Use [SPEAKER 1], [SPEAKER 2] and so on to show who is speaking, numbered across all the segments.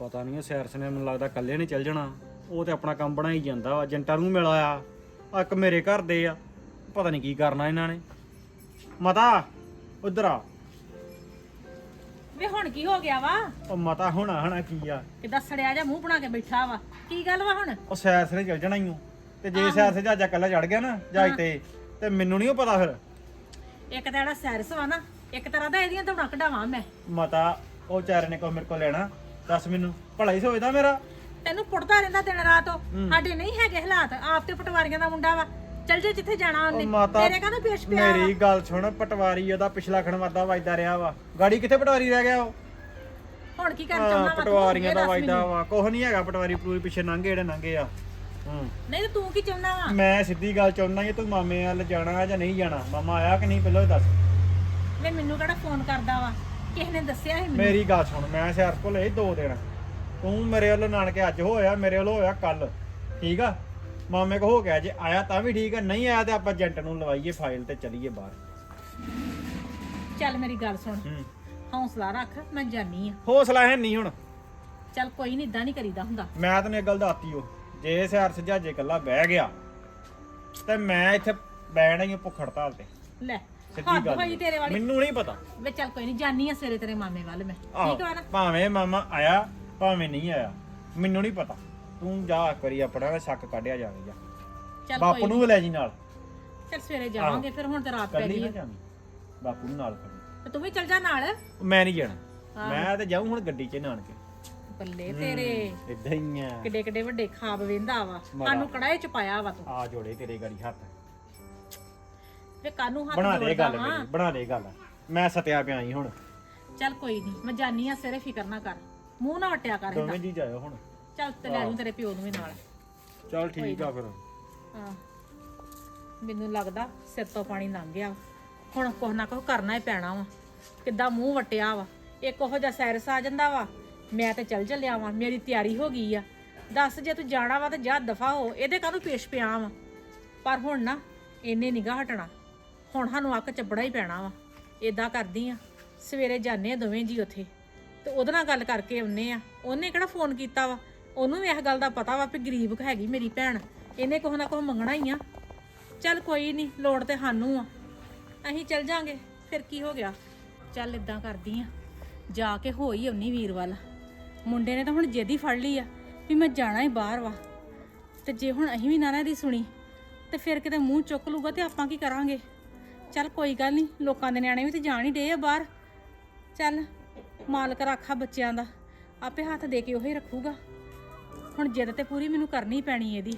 [SPEAKER 1] ਪਤਾ ਨਹੀਂ ਸੈਰਸ ਨੇ ਮੈਨੂੰ ਲੱਗਦਾ ਇਕੱਲੇ ਨਹੀਂ ਚੱਲ ਜਾਣਾ। ਉਹ ਤੇ ਆਪਣਾ ਕੰਮ ਬਣਾਈ ਜਾਂਦਾ ਵਾ। ਏਜੰਟਾਂ ਨੂੰ ਮਿਲ ਆਇਆ ਆ, ਇੱਕ ਮੇਰੇ ਘਰ ਦੇ ਆ। ਪਤਾ ਨਹੀਂ ਕੀ ਕਰਨਾ ਇਹਨਾਂ ਨੇ। ਮਤਾ ਉਧਰ ਆ।
[SPEAKER 2] ਵੇ ਹੁਣ ਕੀ ਹੋ ਗਿਆ ਵਾ?
[SPEAKER 1] ਉਹ ਮਤਾ ਹੋਣਾ ਕੀ ਆ?
[SPEAKER 2] ਕਿੱਦਾਂ ਸੜਿਆ ਜਾ ਮੂੰਹ ਬਣਾ ਕੇ ਬੈਠਾ ਵਾ? ਕੀ ਗੱਲ ਵਾ ਹੁਣ?
[SPEAKER 1] ਉਹ ਸੈਰਸ ਨੇ ਚੱਲ ਜਾਣਾ ਹੀ ਤੇ ਜੇ ਸੈਰਸ ਜਹਾਜ਼ਾ ਇਕੱਲਾ ਚੜ ਗਿਆ ਨਾ ਜਹਾਜ਼ ਤੇ ਮੈਨੂੰ ਨਹੀਂ ਪਤਾ ਫਿਰ।
[SPEAKER 2] ਇੱਕ ਤਾਂ ਜਿਹੜਾ ਸੈਰਸ ਵਾ ਨਾ, ਇੱਕ ਤਰ੍ਹਾਂ ਦਾ ਇਹਦੀਆਂ ਦੌੜਾਂ ਕਢਾਵਾਂ ਮੈਂ।
[SPEAKER 1] ਮਤਾ ਉਹ ਚਾਰੇ ਨੇ ਕੋਈ ਮੇਰੇ ਕੋਲ ਲੈਣਾ? ਦੱਸ ਮੈਨੂੰ, ਭਲਾ ਹੀ ਸੋਚਦਾ ਮੇਰਾ।
[SPEAKER 2] ਤੈਨੂੰ ਪੁੱਟਦਾ ਰਹਿੰਦਾ ਦਿਨ ਰਾਤ। ਉਹ ਸਾਡੇ ਨਹੀਂ ਹੈਗੇ ਹਾਲਾਤ। ਆਪ ਤੇ ਪਟਵਾਰੀਆਂ ਦਾ ਮੁੰਡਾ ਵਾ, ਚੱਲ ਜੇ ਜਿੱਥੇ ਜਾਣਾ ਉਹਨੇ। ਤੇਰੇ ਕਾਹਨੂੰ ਪੇਸ਼ ਪਿਆ?
[SPEAKER 1] ਮੇਰੀ ਗੱਲ ਸੁਣ, ਪਟਵਾਰੀ ਉਹਦਾ ਪਿਛਲਾ ਖਣਵਾਦਾ ਵੱਜਦਾ ਰਿਹਾ ਵਾ। ਗਾੜੀ ਕਿੱਥੇ ਪਟਵਾਰੀ ਰਹਿ ਗਿਆ ਉਹ?
[SPEAKER 2] ਹੁਣ ਕੀ ਕਰਨ ਚਾਹੁੰਦਾ ਵਾ?
[SPEAKER 1] ਪਟਵਾਰੀਆਂ ਦਾ ਵੱਜਦਾ ਵਾ। ਕੁਛ ਨਹੀਂ ਹੈਗਾ, ਪਟਵਾਰੀ ਪੂਰੀ ਪਿੱਛੇ ਲੰਘੇ ਜਿਹੜੇ ਲੰਘੇ ਆ।
[SPEAKER 2] ਨਹੀਂ ਤੇ ਤੂੰ ਕੀ ਚਾਹੁੰਦਾ ਵਾ?
[SPEAKER 1] ਮੈਂ ਸਿੱਧੀ ਗੱਲ ਚਾਹੁੰਦਾ ਕਿ ਤੂੰ ਮਾਮੇ ਵੱਲ ਜਾਣਾ ਜਾਂ ਨਹੀਂ ਜਾਣਾ। ਮਾਮਾ ਆਇਆ ਕਿ ਨਹੀਂ ਪਹਿਲਾਂ ਦੱਸ।
[SPEAKER 2] ਵੇ ਮੈਨੂੰ ਕਿਹੜਾ ਫੋਨ ਕਰਦਾ ਵਾ? ਕਿਸੇ ਨੇ ਦੱਸਿਆ ਸੀ ਮੈਨੂੰ?
[SPEAKER 1] ਮੇਰੀ ਗੱਲ ਸੁਣ, ਮੈਂ ਸ਼ਹਿਰ ਕੋਲ ਇਹ 2 ਦਿਨ। ਤੂੰ ਮੇਰੇ ਵੱਲੋਂ ਨਾਨਕੇ ਅੱਜ ਹੋਇਆ, ਮੇਰੇ ਵੱਲੋਂ ਹੋਇਆ ਕੱਲ। ਠੀਕ ਆ? ਮਾਮੇ ਕੋ ਹੋ ਗਿਆ, ਜੇ ਆਇਆ ਤਾਂ ਵੀ ਠੀਕ ਆ, ਨਹੀਂ ਆਇਆ ਤੇ ਆਪਾਂ ਏਜੰਟ ਨੂੰ ਲਵਾਈਏ ਫਾਈਲ ਤੇ ਚੱਲੀਏ ਬਾਹਰ।
[SPEAKER 2] ਚੱਲ ਮੇਰੀ ਗੱਲ ਸੁਣ, ਹੌਸਲਾ ਰੱਖ, ਮੈਂ ਜਾਨੀ ਆ।
[SPEAKER 1] ਹੌਸਲਾ ਹੈ ਨਹੀਂ ਹੁਣ।
[SPEAKER 2] ਚੱਲ ਕੋਈ ਨਹੀਂ, ਇਦਾਂ ਨਹੀਂ ਕਰੀਦਾ ਹੁੰਦਾ।
[SPEAKER 1] ਮੈਂ ਤੈਨੂੰ ਇੱਕ ਗੱਲ ਦੱਸਤੀ ਓ, ਜੇ ਸਿਆਰ ਸਜਾਜੇ ਇਕੱਲਾ ਬਹਿ ਗਿਆ ਤੇ ਮੈਂ ਇੱਥੇ ਬਹਿਣਾ ਹੀ ਭੁੱਖ ਹੜਤਾਲ ਤੇ।
[SPEAKER 2] ਲੈ
[SPEAKER 1] ਸਿੱਧੀ ਗੱਲ
[SPEAKER 2] ਹੋਈ ਤੇਰੇ ਵਾਲੀ।
[SPEAKER 1] ਮੈਨੂੰ ਨਹੀਂ ਪਤਾ।
[SPEAKER 2] ਵੇ ਚੱਲ ਕੋਈ ਨਹੀਂ, ਜਾਨੀ ਆ ਸਵੇਰੇ ਤੇਰੇ ਮਾਮੇ ਵੱਲ ਮੈਂ। ਠੀਕ ਵਾ ਨਾ?
[SPEAKER 1] ਭਾਵੇਂ ਮਾਮਾ ਆਇਆ ਭਾਵੇਂ ਨਹੀਂ ਆਇਆ, ਮੈਨੂੰ ਨਹੀਂ ਪਤਾ। ਤੂੰ ਜਾ ਕਰੀ ਆਪਣਾ ਸ਼ੱਕ ਕੱਢਿਆ ਜਾਵੇ। ਜਾ
[SPEAKER 2] ਚੱਲ
[SPEAKER 1] ਬਾਪੂ ਨੂੰ ਵੀ ਲੈ ਜੀ ਨਾਲ।
[SPEAKER 2] ਚੱਲ ਸਵੇਰੇ ਜਾਵਾਂਗੇ ਫਿਰ। ਹੁਣ ਤੇ ਰਾਤ ਪੈ
[SPEAKER 1] ਕੱਲੀ
[SPEAKER 2] ਗਈ
[SPEAKER 1] ਨਾ
[SPEAKER 2] ਆ।
[SPEAKER 1] ਜਾਵੀਂ, ਬਾਪੂ ਨੂੰ ਨਾਲ ਖੜੀ।
[SPEAKER 2] ਤੇ ਤੂੰ ਵੀ ਚੱਲ ਜਾ ਨਾਲ।
[SPEAKER 1] ਮੈਂ ਨਹੀਂ ਜਾਣਾ, ਮੈਂ ਤੇ ਜਾਊਂ ਹੁਣ ਗੱਡੀ 'ਚ ਨਾਨਕੇ।
[SPEAKER 2] ਬੱਲੇ ਤੇਰੇ,
[SPEAKER 1] ਇਦਾਂ ਹੀ ਆ।
[SPEAKER 2] ਕਿੱਡੇ ਕਿੱਡੇ ਵੱਡੇ ਖਾਬ ਵੇਂਦਾ ਵਾ। ਕਾਨੂੰ ਕੜਾਏ ਚ ਪਾਇਆ ਵਾ ਤੂੰ।
[SPEAKER 1] ਆ ਜੋੜੇ ਤੇਰੇ ਗਾੜੀ ਹੱਥ।
[SPEAKER 2] ਵੇ ਕਾਨੂੰ ਹੱਥ
[SPEAKER 1] ਬਣਾ ਦੇ ਗੱਲ
[SPEAKER 2] ਜੋੜਦਾ ਵਾ?
[SPEAKER 1] ਮੇਰੀ, ਬਣਾ ਦੇ ਗੱਲ। ਮੈਂ ਸਤਿਆ ਪਿਆ ਹੀ ਹੁਣ।
[SPEAKER 2] ਚੱਲ ਕੋਈ ਨਹੀਂ, ਮੈਂ ਜਾਨੀ ਆ ਸਵੇਰੇ, ਫਿਕਰ ਨਾ ਕਰ। ਮੂੰਹ ਨਾ ਵਟਿਆ ਕਰ ਇਹਦਾ।
[SPEAKER 1] ਦੋਵੇਂ ਜੀ ਜਾਇਓ ਹੁਣ।
[SPEAKER 2] ਚੱਲ ਤੇ ਲੈ ਜੂ ਤੇਰੇ ਪਿਓ ਨੂੰ ਵੀ ਨਾਲ।
[SPEAKER 1] ਚੱਲ ਠੀਕ ਆ ਫਿਰ।
[SPEAKER 2] ਹਾਂ, ਮੈਨੂੰ ਲੱਗਦਾ ਸਿਰ ਤੋਂ ਪਾਣੀ ਲੰਘ ਗਿਆ। ਹੁਣ ਕੁਛ ਨਾ ਕੁਛ ਕਰਨਾ ਹੀ ਪੈਣਾ ਵਾ। ਕਿੱਦਾਂ ਮੂੰਹ ਵਟਿਆ ਵਾ। ਇੱਕ ਉਹੋ ਜਿਹਾ ਸੈਰਸ ਆ ਜਾਂਦਾ ਵਾ, ਮੈਂ ਤੇ ਚੱਲ ਚੱਲਿਆ ਵਾਂ, ਮੇਰੀ ਤਿਆਰੀ ਹੋ ਗਈ ਆ। ਦੱਸ, ਜੇ ਤੂੰ ਜਾਣਾ ਵਾ ਤੇ ਜਾ ਦਫਾ ਹੋ। ਇਹਦੇ ਕਾਹਨੂੰ ਪੇਸ਼ ਪਿਆ ਵਾ? ਪਰ ਹੁਣ ਨਾ ਇਹਨੇ ਨਿਗਾਹ ਹਟਣਾ। ਹੁਣ ਸਾਨੂੰ ਅੱਕ ਚੱਬੜਾ ਹੀ ਪੈਣਾ ਵਾ। ਏਦਾਂ ਕਰਦੀ ਆ, ਸਵੇਰੇ ਜਾਂਦੇ ਆ ਦੋਵੇਂ ਜੀ ਉੱਥੇ ਤੇ ਉਹਦੇ ਨਾਲ ਗੱਲ ਕਰਕੇ ਆਉਨੇ ਆ। ਉਹਨੇ ਕਿਹੜਾ ਫੋਨ ਕੀਤਾ ਵਾ? ਉਹਨੂੰ ਵੀ ਇਸ ਗੱਲ ਦਾ ਪਤਾ ਵਾ ਵੀ ਗਰੀਬ ਹੈਗੀ ਮੇਰੀ ਭੈਣ, ਇਹਨੇ ਕੁਛ ਨਾ ਕੁਛ ਮੰਗਣਾ ਹੀ ਆ। ਚੱਲ ਕੋਈ ਨਹੀਂ, ਲੋੜ ਤੇ ਸਾਨੂੰ ਆ, ਅਸੀਂ ਚੱਲ ਜਾਾਂਗੇ, ਫਿਰ ਕੀ ਹੋ ਗਿਆ। ਚੱਲ ਇਦਾਂ ਕਰਦੀ ਆ, ਜਾ ਕੇ ਹੋ ਹੀ ਆਉਣੀ ਵੀਰ ਵੱਲ। ਮੁੰਡੇ ਨੇ ਤਾਂ ਹੁਣ ਜਿੱਦ ਹੀ ਫੜ ਲਈ ਆ ਵੀ ਮੈਂ ਜਾਣਾ ਹੀ ਬਾਹਰ ਵਾ। ਤੇ ਜੇ ਹੁਣ ਅਸੀਂ ਵੀ ਨਾ ਇਹਦੀ ਸੁਣੀ ਤੇ ਫਿਰ ਕਿਤੇ ਮੂੰਹ ਚੁੱਕ ਲੂਗਾ ਤੇ ਆਪਾਂ ਕੀ ਕਰਾਂਗੇ। ਚੱਲ ਕੋਈ ਗੱਲ ਨਹੀਂ, ਲੋਕਾਂ ਦੇ ਨਿਆਣੇ ਵੀ ਤੇ ਜਾਣ ਹੀ ਡੇ ਆ ਬਾਹਰ। ਚੱਲ ਮਾਲਕ ਰਾਖਾ ਬੱਚਿਆਂ ਦਾ, ਆਪੇ ਹੱਥ ਦੇ ਕੇ ਉਹੀ ਰੱਖੂਗਾ। ਹੁਣ ਜਿੱਦ ਤੇ ਪੂਰੀ ਮੈਨੂੰ ਕਰਨੀ ਪੈਣੀ ਇਹਦੀ।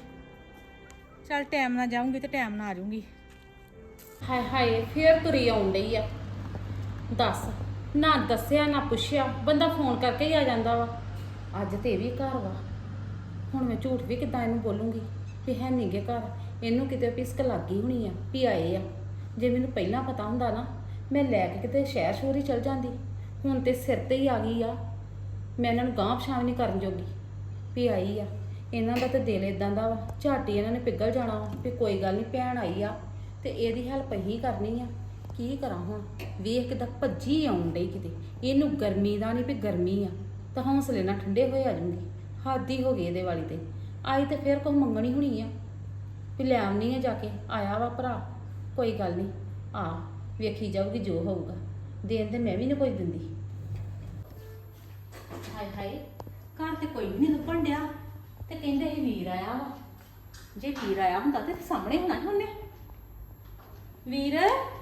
[SPEAKER 2] ਚੱਲ ਟਾਈਮ ਨਾਲ ਜਾਊਂਗੀ ਤੇ ਟਾਈਮ ਨਾਲ ਆ ਜਾਊਂਗੀ।
[SPEAKER 3] ਹਾਏ ਹਾਏ, ਫੇਰ ਤੁਰੀ ਆਉਣ ਡਈ ਆ। ਦੱਸ, ਨਾ ਦੱਸਿਆ ਨਾ ਪੁੱਛਿਆ, ਬੰਦਾ ਫੋਨ ਕਰਕੇ ਹੀ ਆ ਜਾਂਦਾ ਵਾ। ਅੱਜ ਤੇ ਇਹ ਵੀ ਘਰ ਵਾ। ਹੁਣ ਮੈਂ ਝੂਠ ਵੀ ਕਿੱਦਾਂ ਇਹਨੂੰ ਬੋਲੂੰਗੀ ਵੀ ਹੈ ਨੀ ਗੇ ਘਰ। ਇਹਨੂੰ ਕਿਤੇ ਪਿਸਕ ਲੱਗ ਗਈ ਹੋਣੀ ਆ ਵੀ ਆਏ ਆ। ਜੇ ਮੈਨੂੰ ਪਹਿਲਾਂ ਪਤਾ ਹੁੰਦਾ ਨਾ, ਮੈਂ ਲੈ ਕੇ ਕਿਤੇ ਸ਼ਹਿਰ ਸ਼ੋਰ ਹੀ ਚਲ ਜਾਂਦੀ। ਹੁਣ ਤੇ ਸਿਰ ਤੇ ਹੀ ਆ ਗਈ ਆ। ਮੈਂ ਇਹਨਾਂ ਨੂੰ ਗਾਂਹ ਪਛਾਣ ਨਹੀਂ ਕਰਨ ਜੋਗੀ ਵੀ ਆਈ ਆ। ਇਹਨਾਂ ਦਾ ਤਾਂ ਦਿਲ ਇਦਾਂ ਦਾ ਵਾ, ਝਾਟੀ ਇਹਨਾਂ ਨੇ ਪਿਘਲ ਜਾਣਾ ਵਾ ਵੀ ਕੋਈ ਗੱਲ ਨਹੀਂ, ਭੈਣ ਆਈ ਆ ਤੇ ਇਹਦੀ ਹੈਲਪ ਹੀ ਕਰਨੀ ਆ। ਕੀ ਕਰਾਂ ਹੁਣ? ਵੇਖ ਕਿਦਾਂ ਭੱਜੀ ਆਉਣ ਡਈ ਕਿਤੇ। ਇਹਨੂੰ ਗਰਮੀ ਦਾ ਨਹੀਂ ਵੀ ਗਰਮੀ ਆ ਤਾਂ ਹੌਸਲੇ ਨਾਲ ਠੰਡੇ ਹੋਏ ਆ ਜੂੰਗੀ। ਹੱਦ ਹੀ ਹੋ ਗਈ ਇਹਦੇ ਵਾਲੀ ਤੇ। ਆਈ ਤੇ ਫਿਰ ਕੁਛ ਮੰਗਣੀ ਹੋਣੀ ਆ ਵੀ ਲੈ ਆਉਣੀ ਆ ਜਾ ਕੇ। ਆਇਆ ਵਾ ਭਰਾ, ਕੋਈ ਗੱਲ ਨਹੀਂ, ਆ ਵੇਖੀ ਜਾਊਗੀ ਜੋ ਹੋਊਗਾ। ਦੇਣ ਤੇ ਮੈਂ ਵੀ ਨਹੀਂ ਕੋਈ ਦਿੰਦੀ।
[SPEAKER 2] ਹਾਏ ਹਾਏ, ਘਰ ਤੇ ਕੋਈ ਵੀ ਨਹੀਂ ਲੱਭਣ ਡਿਆ ਤੇ ਕਹਿੰਦੇ ਇਹ ਵੀਰ ਆਇਆ ਵਾ। ਜੇ ਵੀਰ ਆਇਆ ਹੁੰਦਾ ਤੇ ਸਾਹਮਣੇ ਹੋਣਾ ਸੀ ਉਹਨੇ। ਵੀਰ,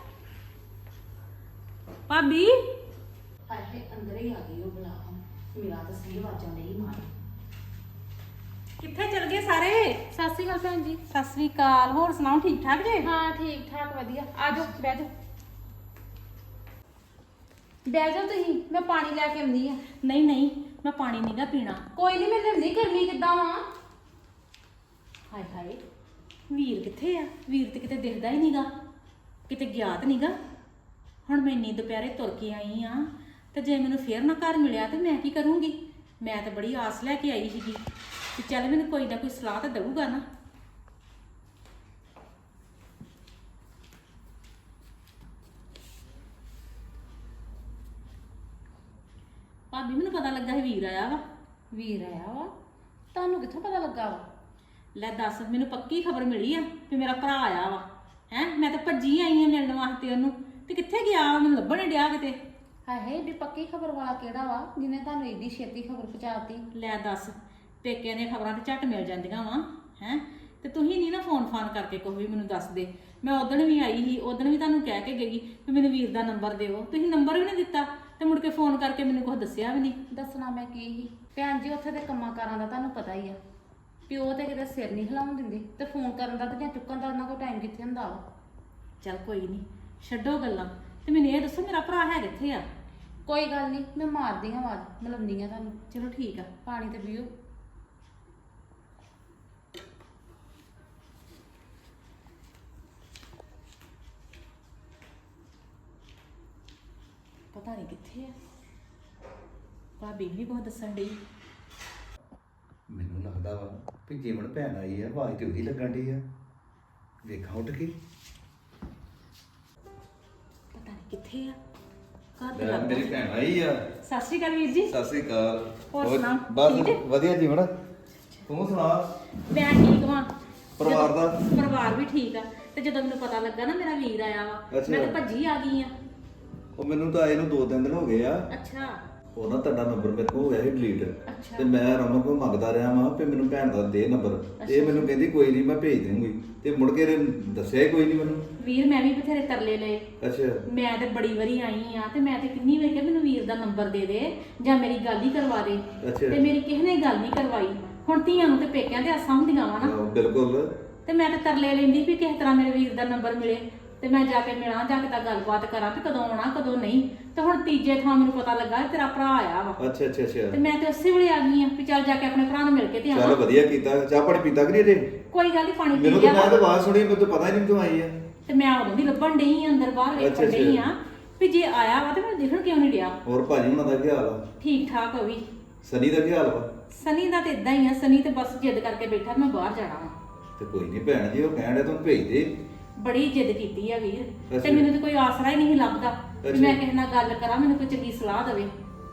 [SPEAKER 2] ਭਾਬੀ। ਹਾਏ ਹਾਏ, ਅੰਦਰ ਹੀ ਆ ਗਈ ਉਹ ਬੁਲਾ। ਮੇਰਾ ਤਾਂ ਸਹੀ ਆਵਾਜ਼ਾਂ ਨਹੀਂ ਮਾਰ। ਕਿੱਥੇ ਚਲ ਗਏ ਸਾਰੇ?
[SPEAKER 3] ਸਤਿ ਸ਼੍ਰੀ ਅਕਾਲ ਭੈਣ ਜੀ।
[SPEAKER 2] ਸਤਿ ਸ੍ਰੀ ਅਕਾਲ। ਹੋਰ ਸੁਣਾਓ, ਠੀਕ ਠਾਕ ਜੇ?
[SPEAKER 3] ਹਾਂ ਠੀਕ ਠਾਕ, ਵਧੀਆ। ਆ ਜਾਓ, ਬਹਿ ਜਾਓ। ਬਹਿ ਜਾਓ ਤੁਸੀਂ, ਮੈਂ ਪਾਣੀ ਲੈ ਕੇ ਆਉਂਦੀ ਆ।
[SPEAKER 2] ਨਹੀਂ ਨਹੀਂ, ਮੈਂ ਪਾਣੀ ਨਹੀਂਗਾ ਪੀਣਾ।
[SPEAKER 3] ਕੋਈ ਨਹੀਂ, ਮੈਂ ਲਿਆਉਂਦੀ। ਗਰਮੀ ਕਿੱਦਾਂ ਵਾ?
[SPEAKER 2] ਹਾਏ ਹਾਏ, ਵੀਰ ਕਿੱਥੇ ਆ? ਵੀਰ ਤੇ ਕਿਤੇ ਦਿਖਦਾ ਹੀ ਨਹੀਂਗਾ, ਕਿਤੇ ਗਿਆ ਤਾਂ ਨਹੀਂਗਾ। ਹੁਣ ਮੈਂ ਇੰਨੀ ਦੁਪਹਿਰੇ ਤੁਰ ਕੇ ਆਈ ਆ ਤੇ ਜੇ ਮੈਨੂੰ ਫੇਰ ਨਾ ਘਰ ਮਿਲਿਆ ਤੇ ਮੈਂ ਕੀ ਕਰੂੰਗੀ? ਮੈਂ ਤਾਂ ਬੜੀ ਆਸ ਲੈ ਕੇ ਆਈ ਸੀਗੀ ਕਿ ਚੱਲ ਮੈਨੂੰ ਕੋਈ ਨਾ ਕੋਈ ਸਲਾਹ ਤਾਂ ਦਊਗਾ ਨਾ। ਭਾਬੀ, ਮੈਨੂੰ ਪਤਾ ਲੱਗਾ ਸੀ ਵੀਰ ਆਇਆ ਵਾ
[SPEAKER 3] ਵੀਰ ਆਇਆ ਵਾ? ਤੁਹਾਨੂੰ ਕਿੱਥੋਂ ਪਤਾ ਲੱਗਾ ਵਾ?
[SPEAKER 2] ਲੈ ਦੱਸ, ਮੈਨੂੰ ਪੱਕੀ ਖਬਰ ਮਿਲੀ ਆ ਕਿ ਮੇਰਾ ਭਰਾ ਆਇਆ ਵਾ। ਹੈ ਮੈਂ ਤਾਂ ਭੱਜੀ ਆਈ ਆ ਮਿਲਣ ਵਾਸਤੇ ਉਹਨੂੰ, ਤੇ ਕਿੱਥੇ ਗਿਆ ਵਾ? ਮੈਨੂੰ ਲੱਭਣ ਨੀ ਡਿਆ ਕਿਤੇ।
[SPEAKER 3] ਹਾਏ ਹਾਏ, ਏਡੀ ਪੱਕੀ ਖਬਰ ਵਾਲਾ ਕਿਹੜਾ ਵਾ ਜਿਹਨੇ ਤੁਹਾਨੂੰ ਏਡੀ ਛੇਤੀ ਖਬਰ ਪਹੁੰਚਾਤੀ?
[SPEAKER 2] ਲੈ ਦੱਸ, ਪੇਕਿਆਂ ਦੀਆਂ ਖਬਰਾਂ ਤੇ ਝੱਟ ਮਿਲ ਜਾਂਦੀਆਂ ਵਾ। ਹੈ ਤੇ ਤੁਸੀਂ ਨਹੀਂ ਨਾ ਫੋਨ ਫਾਨ ਕਰਕੇ ਕੋਈ ਵੀ ਮੈਨੂੰ ਦੱਸ ਦੇ। ਮੈਂ ਉਦਣ ਵੀ ਆਈ ਸੀ, ਉਦਣ ਵੀ ਤੁਹਾਨੂੰ ਕਹਿ ਕੇ ਗਈ ਕਿ ਮੈਨੂੰ ਵੀਰ ਦਾ ਨੰਬਰ ਦਿਓ, ਤੁਸੀਂ ਨੰਬਰ ਵੀ ਨਹੀਂ ਦਿੱਤਾ ਤੇ ਮੁੜ ਕੇ ਫੋਨ ਕਰਕੇ ਮੈਨੂੰ ਕੁਝ ਦੱਸਿਆ ਵੀ ਨਹੀਂ।
[SPEAKER 3] ਦੱਸਣਾ ਮੈਂ ਕੀ ਸੀ ਭੈਣ ਜੀ, ਉੱਥੇ ਦੇ ਕੰਮਾਂ ਕਾਰਾਂ ਦਾ ਤੁਹਾਨੂੰ ਪਤਾ ਹੀ ਆ। ਪਿਓ ਤੇ ਕਿਤੇ ਸਿਰ ਨਹੀਂ ਹਿਲਾਉਣ ਦਿੰਦੇ, ਤੇ ਫੋਨ ਕਰਨ ਦਾ ਤੇ ਜਾਂ ਚੁੱਕਣ ਦਾ ਉਹਨਾਂ ਕੋਲ ਟਾਈਮ ਕਿੱਥੇ ਹੁੰਦਾ ਵਾ।
[SPEAKER 2] ਚੱਲ ਕੋਈ ਨਹੀਂ, ਛੱਡੋ ਗੱਲਾਂ ਤੇ ਮੈਨੂੰ ਇਹ ਦੱਸੋ ਮੇਰਾ ਭਰਾ ਹੈ ਕਿੱਥੇ ਆ?
[SPEAKER 3] ਕੋਈ ਗੱਲ ਨਹੀਂ, ਮੈਂ ਮਾਰਦੀ ਹਾਂ ਆਵਾਜ਼, ਮਿਲਾਉਂਦੀ ਹਾਂ ਤੁਹਾਨੂੰ।
[SPEAKER 2] ਚਲੋ ਠੀਕ ਆ।
[SPEAKER 3] ਪਾਣੀ ਤੇ ਪੀਓ।
[SPEAKER 2] ਪਤਾ ਨਹੀਂ ਕਿੱਥੇ ਆ, ਭਾਬੀ ਵੀ ਬਹੁਤ ਦੱਸਣ ਡਈ।
[SPEAKER 4] ਮੈਨੂੰ ਲੱਗਦਾ ਵਾ ਕਿ ਜੀਵਨ ਭੈਣ ਆਈ ਆ, ਆਵਾਜ਼ ਤੇ ਉਹਦੀ ਲੱਗਣ ਡਈ ਆ। ਵੇਖਾਂ ਉੱਠ ਕੇ।
[SPEAKER 2] ਪਤਾ ਨਹੀਂ ਕਿੱਥੇ ਆ, ਘਰ ਤੇ
[SPEAKER 4] ਲੈ,
[SPEAKER 2] ਲੱਗਦਾ।
[SPEAKER 4] ਮੇਰੀ ਭੈਣ ਆਈ ਆ।
[SPEAKER 2] ਸਤਿ ਸ਼੍ਰੀ ਅਕਾਲ ਵੀਰ ਜੀ।
[SPEAKER 4] ਸਤਿ ਸ੍ਰੀ ਅਕਾਲ।
[SPEAKER 2] ਹੋਰ ਸੁਣਾ,
[SPEAKER 4] ਬਸ
[SPEAKER 2] ਠੀਕ ਹੈ?
[SPEAKER 4] ਵਧੀਆ ਜੀਵਨ। ਤੂੰ ਸੁਣਾ
[SPEAKER 2] ਮੈਂ ਠੀਕ ਵਾਂ।
[SPEAKER 4] ਪਰਿਵਾਰ ਦਾ?
[SPEAKER 2] ਪਰਿਵਾਰ ਵੀ ਠੀਕ ਆ। ਤੇ ਜਦੋਂ ਮੈਨੂੰ ਪਤਾ ਲੱਗਾ ਨਾ ਮੇਰਾ ਵੀਰ ਆਇਆ ਵਾ,
[SPEAKER 4] ਅੱਛਾ।
[SPEAKER 2] ਮੈਂ ਤਾਂ ਭੱਜੀ ਆ ਗਈ ਆ।
[SPEAKER 4] ਉਹ ਮੈਨੂੰ ਤਾਂ ਆਏ ਨੂੰ 2-3 ਦਿਨ ਹੋ ਗਏ ਆ।
[SPEAKER 2] ਅੱਛਾ
[SPEAKER 4] ਉਹ ਨਾ ਤੁਹਾਡਾ ਨੰਬਰ ਮੇਰੇ ਕੋਲ ਹੋ ਗਿਆ ਸੀ ਡਿਲੀਟ,
[SPEAKER 2] ਅੱਛਾ।
[SPEAKER 4] ਤੇ ਮੈਂ ਰਮਨ ਕੋਲ ਮੰਗਦਾ ਰਿਹਾ ਵਾਂ ਕਿ ਮੈਨੂੰ ਭੈਣ ਦਾ ਦੇ ਨੰਬਰ। ਇਹ ਮੈਨੂੰ ਕਹਿੰਦੀ ਕੋਈ ਨਹੀਂ ਮੈਂ ਭੇਜ ਦੂੰਗੀ, ਤੇ ਮੁੜ ਕੇ ਇਹਨੇ ਦੱਸਿਆ ਹੀ ਕੋਈ ਨਹੀਂ ਮੈਨੂੰ।
[SPEAKER 2] ਵੀਰ ਮੈਂ ਵੀ ਬਥੇਰੇ ਤਰਲੇ ਲਏ।
[SPEAKER 4] ਅੱਛਾ
[SPEAKER 2] ਮੈਂ ਤੇ ਬੜੀ ਵਾਰੀ ਆਈ ਆ, ਤੇ ਮੈਂ ਤੇ ਕਿੰਨੀ ਵਾਰ ਕਿਹਾ ਮੈਨੂੰ ਵੀਰ ਦਾ ਨੰਬਰ ਦੇ ਦੇ ਜਾਂ ਮੇਰੀ ਗੱਲ ਹੀ ਕਰਵਾ ਦੇ,
[SPEAKER 4] ਅੱਛਾ।
[SPEAKER 2] ਤੇ ਮੇਰੀ ਕਿਸੇ ਨੇ ਗੱਲ ਨਹੀਂ ਕਰਵਾਈ। ਹੁਣ ਧੀਆਂ ਨੂੰ ਤੇ ਪੇਕਿਆਂ ਦੇ ਆਸਾਂ ਹੁੰਦੀਆਂ ਵਾ ਨਾ,
[SPEAKER 4] ਬਿਲਕੁਲ।
[SPEAKER 2] ਤੇ ਮੈਂ ਤਾਂ ਤਰਲੇ ਲੈਂਦੀ ਵੀ ਕਿਸੇ ਤਰ੍ਹਾਂ ਮੇਰੇ ਵੀਰ ਦਾ ਨੰਬਰ ਮਿਲੇ ਤੇ ਮੈਂ ਜਾ ਕੇ ਮਿਲਾਂ, ਜਾ ਕੇ ਤਾਂ ਗੱਲਬਾਤ ਕਰਾਂ ਵੀ ਕਦੋਂ ਆਉਣਾ ਕਦੋਂ ਨਹੀਂ। ਤੇ ਹੁਣ ਤੀਜੇ ਥਾਂ ਮੈਨੂੰ ਪਤਾ ਲੱਗਾ ਕਿ ਤੇਰਾ ਭਰਾ ਆਇਆ ਵਾ,
[SPEAKER 4] ਅੱਛਾ ਅੱਛਾ
[SPEAKER 2] ਤੇ
[SPEAKER 4] ਅੱਛਾ।
[SPEAKER 2] ਮੈਂ ਤੇ ਉਸੇ ਵੇਲੇ ਆ ਗਈ ਆ ਵੀ ਚੱਲ ਜਾ ਕੇ ਆਪਣੇ ਭਰਾ ਨੂੰ ਮਿਲ ਕੇ ਤੇ
[SPEAKER 4] ਚੱਲ
[SPEAKER 2] ਆਵਾਂ।
[SPEAKER 4] ਵਧੀਆ ਕੀਤਾ। ਚਾਹ ਪਾਣੀ ਪੀਤਾ ਕਿ ਨਹੀਂ ਅਜੇ?
[SPEAKER 2] ਕੋਈ ਗੱਲ ਨਹੀਂ, ਪਾਣੀ ਪੀ
[SPEAKER 4] ਮੈਨੂੰ
[SPEAKER 2] ਲਿਆ
[SPEAKER 4] ਤਾਂ ਮੈਂ
[SPEAKER 2] ਵਾ।
[SPEAKER 4] ਤਾਂ ਆਵਾਜ਼ ਸੁਣੀ, ਮੈਨੂੰ ਤਾਂ ਪਤਾ ਹੀ ਨਹੀਂ ਤੂੰ ਆਈ ਆ।
[SPEAKER 2] ਤੇ ਮੈਂ ਉਦੋਂ ਦੀ ਲੱਭਣ ਡਈ ਆ, ਅੰਦਰ ਬਾਹਰ ਵੇਖਣ
[SPEAKER 4] ਅੱਛਾ,
[SPEAKER 2] ਡਈ ਆ ਵੀ ਜੇ ਆਇਆ ਵਾ ਤੇ ਮੈਨੂੰ ਦਿਖਣ ਕਿਉਂ ਨਹੀਂ ਡਿਆ।
[SPEAKER 4] ਹੋਰ ਭਾਜੀ ਹੁਣਾਂ ਦਾ ਕੀ ਹਾਲ ਆ?
[SPEAKER 2] ਠੀਕ ਠਾਕ ਹੋ ਵੀ।
[SPEAKER 4] ਸਨੀ ਦਾ ਕੀ ਹਾਲ ਵਾ?
[SPEAKER 2] ਸਨੀ ਦਾ ਤੇ ਇਦਾਂ ਹੀ ਆ, ਸਨੀ ਤੇ ਬਸ ਜਿੱਦ ਕਰਕੇ ਬੈਠਾ ਮੈਂ ਬਾਹਰ ਜਾਣਾ ਵਾ।
[SPEAKER 4] ਤੇ ਕੋਈ ਨਹੀਂ ਭੈਣ ਜੀ, ਉਹ ਕਹਿਣ ਡਿਆ ਤੂੰ ਭੇਜ ਦੇ।
[SPEAKER 2] ਬੜੀ ਜਿੱਦ ਕੀਤੀ ਆ ਵੀਰ, ਤੇ
[SPEAKER 4] ਅੱਛਾ।
[SPEAKER 2] ਮੈਨੂੰ ਤੇ ਕੋਈ ਆਸਰਾ ਹੀ ਨਹੀਂ ਲੱਭਦਾ ਵੀ
[SPEAKER 4] ਅੱਛਾ।
[SPEAKER 2] ਮੈਂ ਕਿਸੇ ਨਾਲ ਗੱਲ ਕਰਾਂ, ਮੈਨੂੰ ਕੋਈ ਚੰਗੀ ਸਲਾਹ ਦੇਵੇ।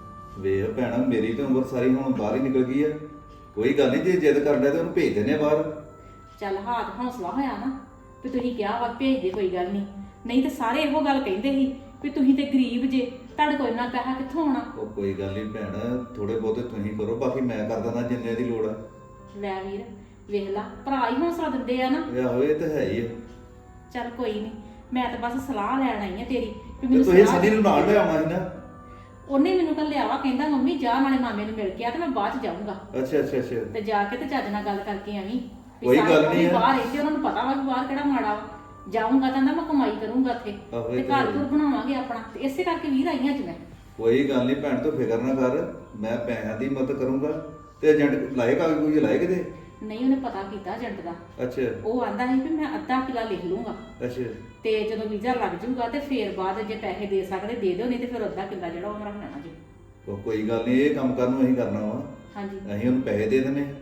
[SPEAKER 4] ਵੇਖ ਭੈਣਾ, ਮੇਰੀ ਤਾਂ ਉਮਰ ਸਾਰੀ ਹੁਣ ਬਾਹਰ ਹੀ ਨਿਕਲ ਗਈ ਆ। ਕੋਈ ਗੱਲ ਨਹੀਂ, ਜੇ ਜਿੱਦ ਕਰਨ ਡਿਆ ਤੇ ਉਹਨੂੰ ਭੇਜ ਦਿੰਦੇ ਆ ਬਾਹਰ।
[SPEAKER 2] ਚੱਲ ਹਾਥ ਹੌਸਲਾ ਹੋਇਆ ਨਾ ਵੀ ਤੁਸੀਂ ਕਿਹਾ ਵਾ ਭੇਜ ਦੇ, ਕੋਈ ਗੱਲ ਨਹੀਂ। ਨਹੀਂ ਤੇ ਸਾਰੇ ਇਹੋ ਗੱਲ ਕਹਿੰਦੇ ਸੀ ਵੀ ਤੁਸੀਂ ਤੇ ਗਰੀਬ ਜੇ, ਤੁਹਾਡੇ ਕੋਲ ਇੰਨਾ ਪੈਸਾ ਕਿੱਥੋਂ ਆਉਣਾ।
[SPEAKER 4] ਉਹ ਕੋਈ ਗੱਲ ਨਹੀਂ ਭੈਣ, ਥੋੜੇ ਬਹੁਤੇ ਤੁਸੀਂ ਕਰੋ, ਬਾਕੀ ਮੈਂ ਕਰ ਦਿੰਦਾ ਜਿੰਨੇ ਦੀ ਲੋੜ ਆ।
[SPEAKER 2] ਲੈ ਵੀਰ ਵੇਖ ਲਾ, ਭਰਾ ਹੀ ਹੌਸਲਾ ਦਿੰਦੇ ਆ ਨਾ।
[SPEAKER 4] ਇਹ ਤਾਂ ਹੈ ਹੀ ਆ।
[SPEAKER 2] ਚੱਲ ਕੋਈ ਨਹੀਂ, ਮੈਂ ਤਾਂ ਬਸ ਸਲਾਹ ਲੈਣ ਆਈ ਆ ਤੇਰੀ ਵੀ
[SPEAKER 4] ਤੇ
[SPEAKER 2] ਮੈਨੂੰ
[SPEAKER 4] ਤੁਸੀਂ
[SPEAKER 2] ਸਲਾਹ
[SPEAKER 4] ਸਨੀ ਨੂੰ ਨਾਲ ਲੈ ਆਉਣਾ ਸੀ ਨਾ।
[SPEAKER 2] ਉਹਨੇ ਮੈਨੂੰ ਘੱਲਿਆ ਵਾ, ਕਹਿੰਦਾ ਮੰਮੀ ਜਾ ਨਾਲੇ ਮਾਮੇ ਨੂੰ ਮਿਲ ਕੇ ਆ ਤੇ ਮੈਂ ਬਾਅਦ ਚ ਜਾਊਂਗਾ।
[SPEAKER 4] ਅੱਛਾ ਅੱਛਾ ਅੱਛਾ।
[SPEAKER 2] ਤੇ ਜਾ ਕੇ ਤੇ ਚੱਜ ਨਾਲ ਗੱਲ ਕਰਕੇ ਆਵੀਂ ਵੀ
[SPEAKER 4] ਕੋਈ
[SPEAKER 2] ਸਾਰੇ
[SPEAKER 4] ਗੱਲ
[SPEAKER 2] ਲੋਕੀ
[SPEAKER 4] ਨਹੀਂ ਆ।
[SPEAKER 2] ਬਾਹਰ ਰਹਿੰਦੇ, ਉਹਨਾਂ ਨੂੰ ਪਤਾ ਵਾ ਵੀ ਬਾਹਰ ਕਿਹੜਾ ਮਾੜਾ ਵਾ। ਜਾਊਂਗਾ ਤਾਂ ਮੈਂ ਕਮਾਈ ਕਰੂੰਗਾ ਉੱਥੇ,
[SPEAKER 4] ਆਹੋ,
[SPEAKER 2] ਤੇ
[SPEAKER 4] ਇਹ ਤਾਂ
[SPEAKER 2] ਘਰ
[SPEAKER 4] ਹੈ।
[SPEAKER 2] ਘਰ ਬਣਾਵਾਂਗੇ ਆਪਣਾ, ਤੇ ਇਸੇ ਕਰਕੇ ਵੀਰ ਆਈਆਂ ਅੱਜ ਮੈਂ।
[SPEAKER 4] ਕੋਈ ਗੱਲ ਨਹੀਂ ਭੈਣ, ਤੂੰ ਫਿਕਰ ਨਾ ਕਰ, ਮੈਂ ਪੈਸਿਆਂ ਦੀ ਮਦਦ ਕਰੂੰਗਾ। ਤੇ ਏਜੰਟ ਲਾਏਗਾ ਕੋਈ ਲਾਏ ਕਿਤੇ?
[SPEAKER 2] ਨਹੀਂ, ਉਹਨੇ ਪਤਾ ਕੀਤਾ ਏਜੰਟ ਦਾ।
[SPEAKER 4] ਅੱਛਾ
[SPEAKER 2] ਉਹ ਆਂਦਾ ਸੀ ਵੀ ਮੈਂ ਅੱਧਾ ਕਿੱਲਾ ਲਿਖ ਲੂੰਗਾ,
[SPEAKER 4] ਅੱਛਾ।
[SPEAKER 2] ਤੇ ਜਦੋਂ ਵੀਜ਼ਾ ਲੱਗ ਜਾਊਗਾ ਤੇ ਫੇਰ ਬਾਅਦ ਜੇ ਪੈਸੇ ਦੇ ਸਕਦੇ ਦੇ ਦਿਓ, ਨਹੀਂ ਤੇ ਫਿਰ ਅੱਧਾ ਕਿੱਲਾ ਜਿਹੜਾ ਉਹ ਰੱਖ ਲੈਣਾ ਜੀ।
[SPEAKER 4] ਉਹ ਕੋਈ ਗੱਲ ਨਹੀਂ, ਇਹ ਕੰਮ ਕਰਨ ਨੂੰ ਅਸੀਂ ਕਰਨਾ ਵਾ।
[SPEAKER 2] ਹਾਂਜੀ
[SPEAKER 4] ਅਸੀਂ ਉਹਨੂੰ ਪੈਸੇ ਦੇ ਦਿੰਦੇ ਹਾਂ।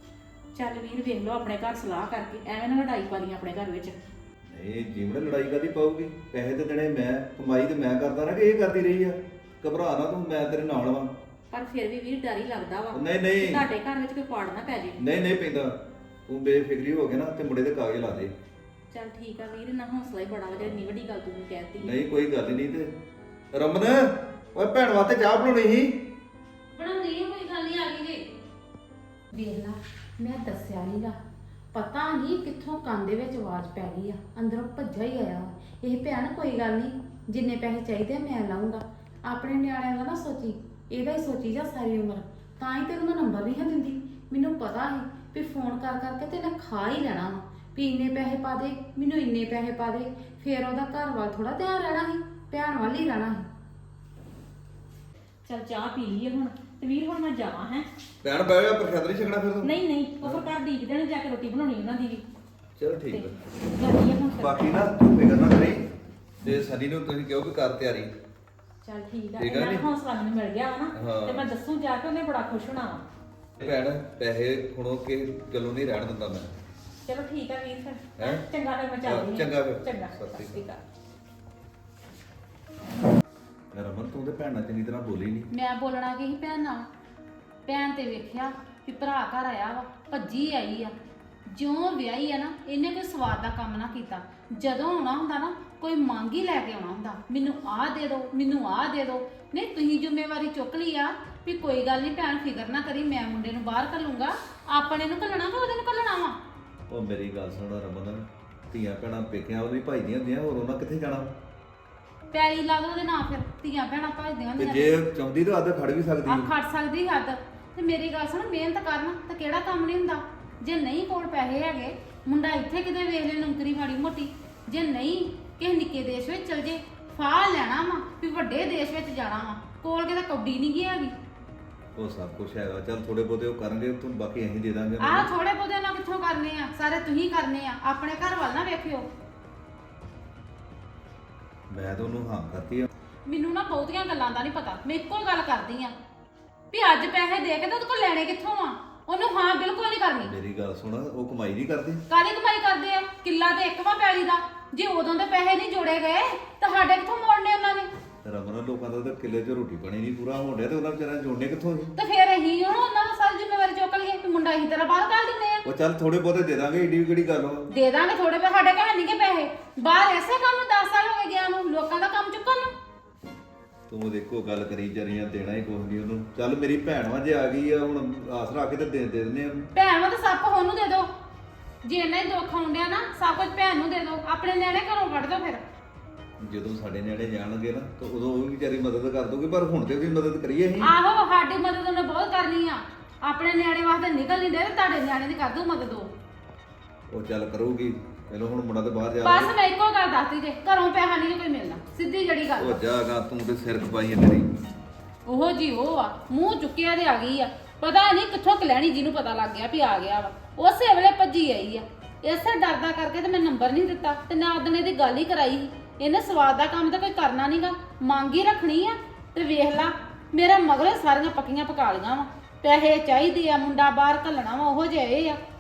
[SPEAKER 2] ਚੱਲ ਵੀਰ ਵੇਖ ਲਓ ਆਪਣੇ ਘਰ ਸਲਾਹ ਕਰਕੇ, ਐਵੇਂ ਨਾ ਲੜਾਈ ਪਾ ਲਈ ਆਪਣੇ ਘਰ ਵਿੱਚ।
[SPEAKER 4] ਨਹੀਂ ਜੀਵਨ, ਲੜਾਈ ਕਾਦੀ ਪਾਊਗੀ? ਪੈਸੇ ਤੇ ਦੇਣੇ ਮੈਂ, ਕਮਾਈ ਤੇ ਮੈਂ ਕਰਦਾ ਨਾ, ਕਿ ਇਹ ਕਰਦੀ ਰਹੀ ਆ। ਘਬਰਾ ਨਾ ਤੂੰ, ਮੈਂ ਤੇਰੇ ਨਾਲ ਵਾਂ।
[SPEAKER 2] ਪਰ ਫਿਰ ਵੀ ਵੀਰ ਡਰ ਹੀ ਲੱਗਦਾ ਵਾ
[SPEAKER 4] ਨਹੀਂ
[SPEAKER 2] ਕਿ
[SPEAKER 4] ਨਹੀਂ
[SPEAKER 2] ਤੁਹਾਡੇ ਘਰ ਵਿੱਚ ਕੋਈ ਪਾੜ ਨਾ ਪੈ ਜੇ।
[SPEAKER 4] ਨਹੀਂ ਨਹੀਂ ਪੈਂਦਾ। ਤੂੰ ਬੇਫਿਕਰੀ ਹੋ ਕੇ ਨਾ ਤੇ ਮੁੰਡੇ ਦੇ ਕਾਗਜ਼ ਲਾ ਦੇ।
[SPEAKER 2] ਚੱਲ ਠੀਕ ਆ ਵੀਰ, ਨਾ ਹੌਸਲਾ ਹੀ ਬੜਾ ਵਾ ਜਿਹੜੀ ਇੰਨੀ ਵੱਡੀ ਗੱਲ ਤੂੰ ਮੈਨੂੰ ਕਹਿਤੀ।
[SPEAKER 4] ਨਹੀਂ ਕੋਈ ਗੱਲ ਹੀ ਨਹੀਂ। ਤੇ ਰਮਨ, ਓਏ ਭੈਣ ਵਾਸਤੇ ਚਾਹ ਬਣਾਉਣੀ ਸੀ।
[SPEAKER 3] ਬਣਾਉਂਦੀ ਆ, ਕੋਈ ਗੱਲ ਨਹੀਂ, ਆ ਗਈ ਜੇ। ਵੇਖ ਲਾ, ਮੈਂ ਦੱਸਿਆ ਨਹੀਂਗਾ, ਪਤਾ ਨਹੀਂ ਕਿੱਥੋਂ ਕੰਨ ਦੇ ਵਿੱਚ ਆਵਾਜ਼ ਪੈ ਗਈ ਆ, ਅੰਦਰੋਂ ਭੱਜਾ ਹੀ ਆਇਆ। ਇਹ ਭੈਣ ਕੋਈ ਗੱਲ ਨਹੀਂ, ਜਿੰਨੇ ਪੈਸੇ ਚਾਹੀਦੇ ਆ ਮੈਂ ਲਾਉਂਗਾ। ਆਪਣੇ ਨਿਆਣਿਆਂ ਦਾ ਨਾ ਸੋਚੀ, ਇਹਦਾ ਹੀ ਸੋਚੀ ਜਾ ਸਾਰੀ ਉਮਰ। ਤਾਂ ਹੀ ਤੈਨੂੰ ਮੈਂ ਨੰਬਰ ਨਹੀਂ ਦਿੰਦੀ। ਮੈਨੂੰ ਪਤਾ ਸੀ ਵੀ ਫੋਨ ਕਰ ਕਰਕੇ ਤੇ ਇਹਨੇ ਖਾ ਹੀ ਲੈਣਾ ਵਾ ਵੀ ਇੰਨੇ ਪੈਸੇ ਪਾ ਦੇ, ਮੈਨੂੰ ਇੰਨੇ ਪੈਸੇ ਪਾ ਦੇ। ਫੇਰ ਉਹਦਾ ਘਰ ਵੱਲ ਥੋੜਾ ਧਿਆਨ ਰਹਿਣਾ ਸੀ, ਭੈਣ ਵੱਲ ਹੀ ਰਹਿਣਾ ਸੀ।
[SPEAKER 2] ਚੱਲ ਚਾਹ ਪੀ ਲਈਏ ਹੁਣ, ਤੇ ਵੀਰ ਹੁਣ ਮੈਂ ਜਾਵਾਂ ਹੈ।
[SPEAKER 4] ਭੈਣ ਬਹਿ ਜਾ, ਪ੍ਰਸ਼ਾਦ ਨਹੀਂ ਛਕਣਾ ਫਿਰ ਤੂੰ?
[SPEAKER 2] ਨਹੀਂ ਨਹੀਂ, ਉਹ ਫਿਰ ਘਰ ਦੀਕ ਦੇਣ ਜਾ ਕੇ ਰੋਟੀ ਬਣਾਉਣੀ ਉਹਨਾਂ ਦੀ ਵੀ।
[SPEAKER 4] ਚਲ ਠੀਕ
[SPEAKER 2] ਤੇ
[SPEAKER 4] ਆ।
[SPEAKER 2] ਜਾਂਦੀ ਆ ਹੁਣ ਫਿਰ।
[SPEAKER 4] ਬਾਕੀ ਨਾ ਤੂੰ ਫਿਕਰ ਨਾ ਕਰੀ, ਤੇ ਸਨੀ ਨੂੰ ਤੁਸੀਂ ਕਹੋ ਕਿ ਕਰ ਤਿਆਰੀ।
[SPEAKER 2] ਚੱਲ ਠੀਕ ਆ,
[SPEAKER 4] ਠੀਕ ਆ
[SPEAKER 2] ਇਹਨਾਂ
[SPEAKER 4] ਨੀ?
[SPEAKER 2] ਨੂੰ ਹੌਸਲਾ ਮੈਨੂੰ ਮਿਲ ਗਿਆ ਵਾ ਨਾ,
[SPEAKER 4] ਹਾਂ।
[SPEAKER 2] ਤੇ ਮੈਂ ਦੱਸੂ ਜਾ ਕੇ, ਉਹਨੇ ਬੜਾ ਖੁਸ਼ ਹੋਣਾ ਵਾ।
[SPEAKER 4] ਭੈਣ ਪੈਸੇ ਖੁਣੋ ਕੇ ਗੱਲੋਂ ਨਹੀਂ ਰਹਿਣ ਦਿੰਦਾ ਮੈਂ।
[SPEAKER 2] ਚਲੋ ਠੀਕ ਆ ਵੀਰ ਫਿਰ।
[SPEAKER 4] ਹੈਂ?
[SPEAKER 2] ਚੰਗਾ ਫਿਰ ਮੈਂ ਚੱਲਦੀ ਹਾਂ।
[SPEAKER 4] ਚੰਗਾ ਫਿਰ।
[SPEAKER 2] ਚੰਗਾ,
[SPEAKER 4] ਸਤਿ
[SPEAKER 2] ਸਤਿ
[SPEAKER 4] ਸ਼੍ਰੀ
[SPEAKER 2] ਸ਼੍ਰੀ ਅਕਾਲ।
[SPEAKER 4] ਰਮਨ ਤੂੰ ਤੇ ਭੈਣ ਨਾਲ ਚੰਗੀ ਤਰ੍ਹਾਂ ਬੋਲੀ ਨਹੀਂ।
[SPEAKER 3] ਮੈਂ ਬੋਲਣਾ ਕੀ ਸੀ ਭੈਣ ਨਾਲ? ਭੈਣ ਤੇ ਵੇਖਿਆ ਵੀ ਭਰਾ ਘਰ ਆਇਆ ਵਾ, ਭੱਜੀ ਆਈ ਆ। ਜਿਉਂ ਵਿਆਹੀ ਆ ਨਾ, ਇਹਨੇ ਕੋਈ ਸਵਾਦ ਦਾ ਕੰਮ ਨਾ ਕੀਤਾ। ਜਦੋਂ ਆਉਣਾ ਹੁੰਦਾ ਨਾ, ਕੋਈ ਮੰਗ ਹੀ ਲੈ ਕੇ ਆਉਣਾ ਹੁੰਦਾ, ਮੈਨੂੰ ਆਹ ਦੇ ਦਿਓ, ਮੈਨੂੰ ਆਹ ਦੇ ਦਿਓ। ਨਹੀਂ, ਤੁਸੀਂ ਜ਼ਿੰਮੇਵਾਰੀ ਚੁੱਕ ਲਈ ਆ ਵੀ ਕੋਈ ਗੱਲ ਨਹੀਂ ਭੈਣ, ਫਿਕਰ ਨਾ ਕਰੀ, ਮੈਂ ਮੁੰਡੇ ਨੂੰ ਬਾਹਰ ਘੱਲੂੰਗਾ। ਆਪਣੇ ਨੂੰ ਘੱਲਣਾ ਕਿ ਉਹਦੇ ਨੂੰ ਘੱਲਣਾ ਵਾ?
[SPEAKER 4] ਉਹ ਮੇਰੀ ਗੱਲ ਸੁਣ ਰਮਨ, ਧੀਆਂ ਭੈਣਾਂ ਪੇਕਿਆਂ ਉਹਦੀ ਭਾਈ ਦੀਆਂ ਹੁੰਦੀਆਂ, ਹੋਰ ਉਹਨਾਂ ਕਿੱਥੇ ਜਾਣਾ?
[SPEAKER 3] ਪੈਲੀ ਲਾ ਦੋ ਉਹਦੇ ਨਾਂ, ਫਿਰ ਧੀਆਂ ਭੈਣਾਂ ਭੱਜਦੀਆਂ
[SPEAKER 4] ਤੇ
[SPEAKER 3] ਹੁੰਦੀਆਂ।
[SPEAKER 4] ਜੇ ਚਾਹੁੰਦੀ ਤਾਂ ਅੱਧ ਖੜ ਵੀ ਸਕਦੀ
[SPEAKER 3] ਆ
[SPEAKER 4] ਹੈ।
[SPEAKER 3] ਖੜ ਸਕਦੀ ਹੱਦ। ਤੇ ਮੇਰੀ ਗੱਲ ਸੁਣ, ਮਿਹਨਤ ਕਰਨਾ ਤਾਂ ਕਿਹੜਾ ਕੰਮ ਨਹੀਂ ਹੁੰਦਾ। ਜੇ ਨਹੀਂ ਕੋਲ ਪੈਸੇ ਹੈਗੇ, ਮੁੰਡਾ ਇੱਥੇ ਕਿਤੇ ਵੇਖ ਲੈ ਨੌਕਰੀ ਮਾੜੀ ਮੋਟੀ। ਜੇ ਨਹੀਂ, ਕਿਸੇ ਨਿੱਕੇ ਦੇਸ਼ ਵਿੱਚ ਚਲ ਜੇ, ਫਾਹ ਲੈਣਾ ਵਾ ਵੀ ਵੱਡੇ ਦੇਸ਼ ਵਿੱਚ ਜਾਣਾ ਵਾ, ਕੋਲ ਕਿਤੇ ਕੌਡੀ ਨਹੀਂ ਗਈ ਹੈਗੀ।
[SPEAKER 4] ਉਹ ਸਭ ਕੁਝ ਹੈਗਾ, ਚੱਲ ਥੋੜੇ ਬਹੁਤੇ ਉਹ ਕਰਨਗੇ, ਤੂੰ ਬਾਕੀ ਅਸੀਂ ਦੇ ਦਾਂਗੇ।
[SPEAKER 3] ਆਹ ਥੋੜੇ ਬਹੁਤੇ ਨਾਲ ਕਿੱਥੋਂ ਕਰਨੇ ਆ? ਸਾਰੇ ਤੁਸੀਂ ਕਰਨੇ ਆ। ਆਪਣੇ ਘਰ ਵੱਲ ਨਾ ਵੇਖਿਓ।
[SPEAKER 4] ਮੈਂ ਤਾਂ ਉਹਨੂੰ ਹਾਂ ਕਰਤੀ ਆ।
[SPEAKER 3] ਮੈਨੂੰ ਨਾ ਬਹੁਤੀਆਂ ਗੱਲਾਂ ਦਾ ਨਹੀਂ ਪਤਾ, ਮੈਂ ਇੱਕੋ ਗੱਲ ਕਰਦੀ ਆ ਵੀ ਅੱਜ ਪੈਸੇ ਦੇ ਕੇ ਤਾਂ ਉਹਦੇ ਕੋਲ ਲੈਣੇ ਕਿੱਥੋਂ ਆ? ਉਹਨੂੰ ਹਾਂ ਬਿਲਕੁਲ ਨਹੀਂ ਕਰਨੀ।
[SPEAKER 4] ਮੇਰੀ ਗੱਲ ਸੁਣ, ਉਹ ਕਮਾਈ ਨਹੀਂ ਕਰਦੀ।
[SPEAKER 3] ਕਾਹਦੀ ਕਮਾਈ ਕਰਦੇ ਆ? ਕਿੱਲਾ ਤੇ ਇੱਕ ਵਾ ਪੈਲੀ ਦਾ। ਜੇ ਉਦੋਂ ਦੇ ਪੈਸੇ ਨਹੀਂ ਜੋੜੇ ਗਏ ਤਾਂ ਸਾਡੇ ਕਿੱਥੋਂ ਮੋੜਨੇ ਉਹਨਾਂ ਨੇ?
[SPEAKER 4] ਰਮਨ, ਲੋਕਾਂ ਦਾ ਤਾਂ ਕਿੱਲੇ 'ਚ ਰੋਟੀ ਪਾਣੀ ਨਹੀਂ ਪੂਰਾ ਹੋਣ ਡਿਆ ਤੇ ਉਹਨਾਂ ਵਿਚਾਰਿਆਂ ਨੇ ਜੋੜਨੇ ਕਿੱਥੋਂ ਸੀ?
[SPEAKER 3] ਤੇ ਫਿਰ ਅਸੀਂ ਹੁਣ ਉਹਨਾਂ ਨੂੰ ਸਾਰੀ ਜ਼ਿੰਮੇਵਾਰੀ ਚੁੱਕ ਲਈਏ ਵੀ ਮੁੰਡਾ ਅਸੀਂ ਤੇਰਾ ਬਾਹਰ ਕੱਢ ਦਿੰਦੇ ਆ।
[SPEAKER 4] ਉਹ ਚੱਲ ਥੋੜੇ ਬਹੁਤੇ ਦੇ ਦਾਂਗੇ, ਏਡੀ ਵੀ ਕਿਹੜੀ ਗੱਲ ਵਾ।
[SPEAKER 3] ਦੇ ਦਾਂਗੇ ਥੋੜੇ ਪੈਸੇ, ਸਾਡੇ ਘਰ ਨਹੀਂ ਕਿ ਪੈਸੇ। ਬਾਹਰ ਐਸੇ ਕੰਮ ਨੂੰ 10 ਸਾਲ ਹੋ ਗਏ ਗਿਆ ਨੂੰ, ਲੋਕਾਂ ਦਾ ਕੰਮ ਚੁੱਕਣ ਨੂੰ।
[SPEAKER 4] ਤੂੰ ਦੇਖੋ ਗੱਲ ਕਰੀ ਜਰੀਆਂ, ਦੇਣਾ ਹੀ ਕੁਝ ਨਹੀਂ ਉਹਨੂੰ। ਚੱਲ ਮੇਰੀ ਭੈਣ ਵਾ, ਜੇ ਆ ਗਈ ਆ ਹੁਣ ਆਸ ਰੱਖ ਕੇ ਤੇ ਦੇ ਦਿੰਦੇ ਆ ਉਹਨੂੰ।
[SPEAKER 3] ਭੈਣ ਨੂੰ ਤਾਂ ਸਭ ਕੁਝ ਉਹਨੂੰ ਦੇ ਦਿਓ। ਜੇ ਇੰਨਾ ਹੀ ਦੁੱਖ ਆਉਂਦਿਆ ਨਾ, ਸਭ ਕੁਝ ਭੈਣ ਨੂੰ ਦੇ ਦਿਓ। ਆਪਣੇ ਨਿਆਣੇ ਘਰੋਂ ਕੱਢ ਦਿਓ ਫਿਰ।
[SPEAKER 4] ਜਦੋਂ ਸਾਡੇ ਨਿਆਣੇ ਜਾਣਗੇ ਨਾ ਤਾਂ ਉਦੋਂ ਉਹ ਵੀ ਵਿਚਾਰੀ ਮਦਦ ਕਰ ਦੋਗੇ, ਪਰ ਹੁਣ ਤੇ ਵੀ ਮਦਦ ਕਰੀਏ ਅਸੀਂ।
[SPEAKER 3] ਆਹੋ, ਸਾਡੀ ਮਦਦ ਉਹਨੇ ਬਹੁਤ ਕਰਨੀ ਆ। ਆਪਣੇ ਨਿਆਣੇ ਵਾਸਤੇ ਨਿਕਲ ਨਹੀਂ ਦੇ, ਤੁਹਾਡੇ ਨਿਆਣੇ ਦੀ ਕਰ ਦੂ ਮਦਦ
[SPEAKER 4] ਉਹ ਚੱਲ ਕਰੂਗੀ। ਪਹਿਲਾਂ ਹੁਣ ਮੁੰਡਾ ਤੇ ਬਾਹਰ ਜਾ
[SPEAKER 3] ਬਸ ਮੈਂ ਇੱਕੋ ਗੱਲ ਦੱਸਦੀ ਜੇ, ਘਰੋਂ ਪੈਸਾ ਨਹੀਂ ਕੋਈ ਮਿਲਣਾ, ਸਿੱਧੀ ਜੜੀ ਗੱਲ
[SPEAKER 4] ਉਹ
[SPEAKER 3] ਆ।
[SPEAKER 4] ਜਾਗਾ, ਤੂੰ ਤੇ ਸਿਰ ਖਪਾਈ ਹੈ ਤੇਰੀ।
[SPEAKER 3] ਉਹੋ ਜੀ ਉਹ ਆ, ਮੂੰਹ ਚੁੱਕਿਆ ਤੇ ਆ ਗਈ ਆ। ਪਤਾ ਨਹੀਂ ਕਿੱਥੋਂ ਕਲੈਣੀ, ਜਿਹਨੂੰ ਪਤਾ ਲੱਗ ਗਿਆ ਵੀ ਆ ਗਿਆ ਵਾ, ਉਸੇ ਵੇਲੇ ਭੱਜੀ ਆਈ ਆ। ਇਸੇ ਡਰਦਾ ਕਰਕੇ ਤੇ ਮੈਂ ਨੰਬਰ ਨਹੀਂ ਦਿੱਤਾ ਤੇ ਨਾ ਉਹਨੇ ਦੀ ਗੱਲ ਹੀ ਕਰਾਈ। ਇਹਨੇ ਸਵਾਦ ਦਾ ਕੰਮ ਤਾਂ ਕੋਈ ਕਰਨਾ ਨਹੀਂਗਾ, ਮੰਗ ਹੀ ਰੱਖਣੀ ਆ। ਤੇ ਵੇਖ ਲਾ, ਮੇਰਾ ਮਗਰੇ ਸਾਰੀਆਂ ਪੱਕੀਆਂ ਪਕਾ ਲੀਆਂ ਵਾ। ਪੈਸੇ ਚਾਹੀਦੇ ਆ, ਮੁੰਡਾ ਬਾਹਰ ਘੱਲਣਾ ਵਾ, ਉਹੋ ਜਿਹੇ ਆ।